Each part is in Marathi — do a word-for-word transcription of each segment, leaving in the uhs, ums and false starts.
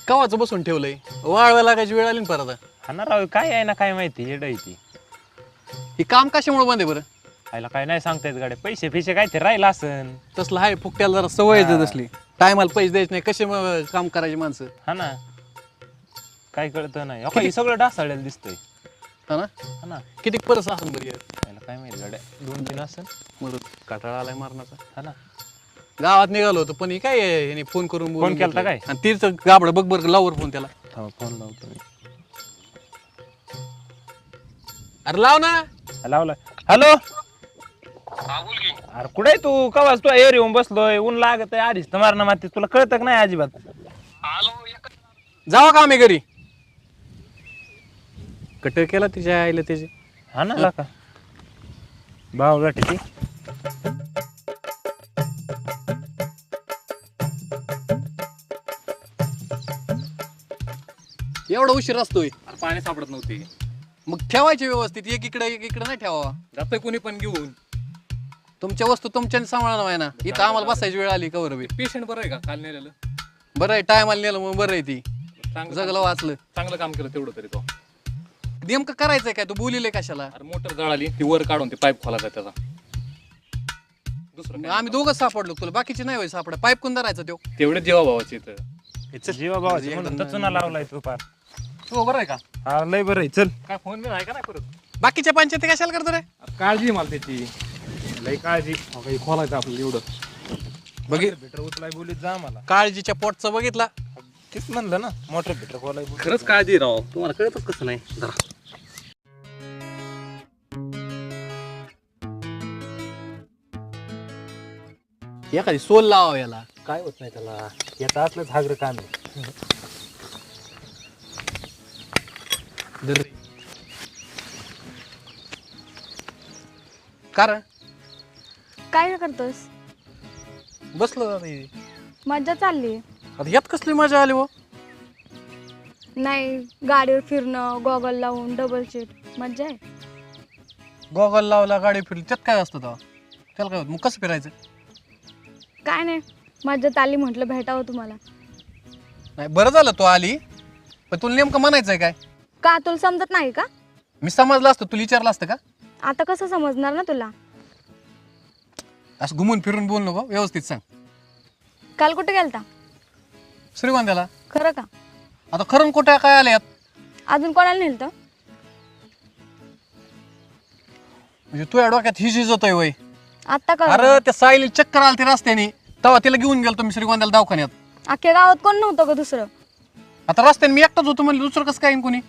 कवाचं बसून ठेवलंय वाळवा लागायची वेळ आली ना परत हा ना राव काय आहे ना काय माहिती येड आहे ती ही काम कशामुळे बंद आहे बरं आयला काय नाही सांगता येत गाड्या पैसे फिशे काय ते राहिलं असन तसलं आहे फुकट्याला जरा सवय आहे तसली टायमाला पैसे द्यायचे नाही कसे मग काम करायचे माणसं हा ना काय कळतं नाही अहो, हे सगळं डासाळलेलं दिसतंय हा ना हा ना किती परस असेल बरं यार. आयला काय माहिती गाड्या दोन तीन असन मग काटाळा आलाय मारण्याचा हा ना गावात निघालो होतो पण हे काय आहे, ह्याने फोन करून बोलून फोन केलता घेतलंय. काय? आणि तीच गाबड बघ बरं लावर फोन त्याला हो फोन लावतो मी अरे लाव ना लावला हॅलो अरे कुठे आहे तू कवाच तू एअर येऊन बसलोय ऊन लागत आहे आधीच तर मारणं माती तुला कळतं का नाही अजिबात जावा का आम्ही घरी कट केला तिच्या आईला त्याचे हा ना का भाव गाठी एवढा उशीर असतोय पाणी सापडत नव्हते मग ठेवायचे व्यवस्थित एक इकडे एक इकडे नाही ठेवावा जातोय कोणी पण घेऊन तुमच्या वस्तू तुमच्याने सांभाळणार आहे ना इथं आम्हाला बसायची वेळ आली कवर बी पेशंट बरं आहे का काल नेलेलं बरं आहे टाइम आला नेलं मग बरं आहे ती चांगलं जगलं वाचलं चांगलं काम केलं तेवढं तरी तो नेमकं करायचंय काय तू बोलिले कशाला अरे मोटर जळाली ती वर काढून ते पाईप खोलायचा त्याचा दुसरं मग आम्ही दोघंच सापडलो तुला बाकीचे नाही होय सापडा पाईप कोण धरायचा तो तेवढे जेव्हा भावाचे इथं जीवा भावाची म्हणून तर चुना लावलाय तू पार तू बरं आहे का हा लय बरं आहे चल काय फोन बी आहे का नाही परत बाकीच्या पंचायती कशाला करतो रे काळजी मला त्याची लय काळजी काही खोलायचं आपल्याला एवढं बघित बिटर उचलाय बोलीत जा मला काळजीच्या पोटचं बघितला तेच म्हणलं ना मोटर बिटर खोलाय खरंच काळजी राव तुम्हाला कळतच कसं नाही जरा एखादी सोल लावा याला काय होत नाही त्याला येत असलंच हागर काम आहे धर. कारण काय करतोस बसलो आता इथे. मज्जा चालली आता यात कसली मजा आली हो नाही गाडीवर फिरणं गॉगल लावून डबल सीट मज्जा आहे गॉगल लावला गाडी फिरली त्यात काय असतं तेव्हा त्याला काय होतं मग कसं फिरायचं काय नाही मज्जा आली म्हटलं भेटावं तुम्हाला नाही बरं झालं तू आली पण तुला नेमकं म्हणायचंय काय का तुला समजत नाही का मी समजलं असतं तुला विचारलं असतं का आता कसं समजणार ना तुला असं घुमून फिरून बोल नको व्यवस्थित सांग काल कुठे गेलता श्रीगोंद्याला खरं का आता खरं कुठे काय आले अजून कोणाला नेलतं म्हणजे तुझ्या डोक्यात ही शिजत आहे वय आत्ता अरे कळ त्या साईली चक्कर आली ते रस्त्याने तेव्हा तिला घेऊन गेलो मी श्रीगोंद्याला दवाखान्यात अख्ख्या गावात कोण नव्हतं का दुसरं आता रस्त्याने मी एकटाच होतो म्हणजे दुसरं कसं काय येईन कोणी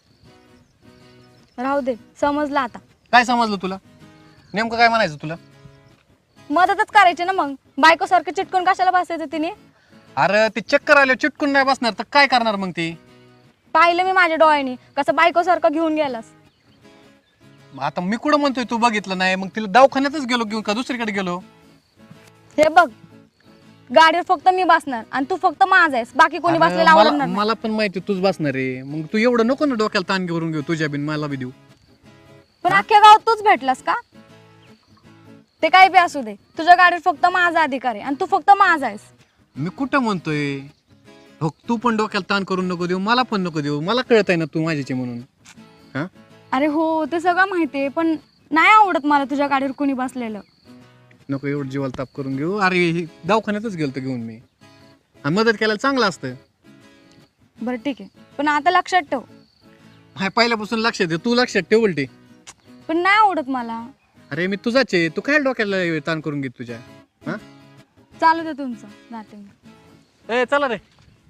राहू दे समजलं आता काय समजलं तुला नेमकं काय म्हणायचं तुला मदतच करायची ना मग बायको सारखं चिटकून कशाला बसायचं तिने अरे ते चक्कर आले चिटकून नाही बसणार तर काय करणार मग ती पाहिलं मी माझ्या डोळ्याने कसं बायको सारखं घेऊन गेलास मग आता मी कुठं म्हणतोय तू बघितलं नाही मग तिला दवाखान्यातच गेलो घेऊन का दुसरीकडे गेलो हे बघ गाडीवर फक्त मी बसणार आणि तू फक्त माझा आहेस बाकी कोणी अरे बसलेला मला आवडणार नाही. मला पण माहिती तूच बसणार आहे मग तू एवढं नको ना डोक्याला ताण घेऊन घेऊ तुझ्या बिन मला बी देऊ पण अख्ख्या गावात तूच भेटलास का ते काही बी असू दे तुझ्या गाडीवर फक्त माझा अधिकार आहे आणि तू फक्त माझा आहेस मी कुठं म्हणतोय हो तू पण डोक्याला ताण करून नको देऊ मला पण नको देऊ मला कळत आहे ना तू माझ्याचे म्हणून हा अरे हो ते सगळं माहिती आहे पण नाही आवडत मला तुझ्या गाडीवर कोणी बसलेलं नको एवढं जीवाला ताप करून घेऊ अरे हे दवाखान्यातच गेलतो घेऊन मी आणि मदत करायला चांगलं असतं बरं ठीक आहे पण आता लक्षात ठेव हाय पहिल्यापासून लक्षात दे तू लक्षात ठेव उलटी पण नाही आवडत मला अरे मी तुझाच आहे तू काय डोक्याला ताण करून घेत तुझ्या हा चालू दे तुमचं जाते मी ए चला रे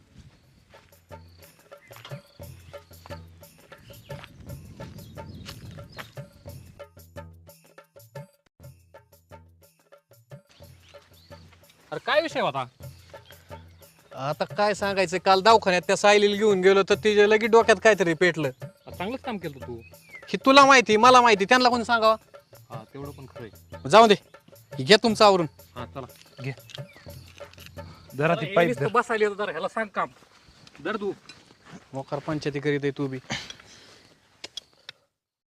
अरे काय विषय होता आता काय सांगायचं काल दवाखान्यात त्या सायलीला घेऊन गेलो तर तिच्या लगेच डोक्यात काहीतरी पेटलं चांगलंच काम केलं तू हे तुला माहिती मला माहिती त्यांना कोणी सांगावा हा तेवढं पण खरंय जाऊ दे घे तुमचं आवरून हा चला घे जरा ती पाईप बसायला येतो जरा ह्याला सांग काम दर तू मोकार पंचायती करीत आहे तू बी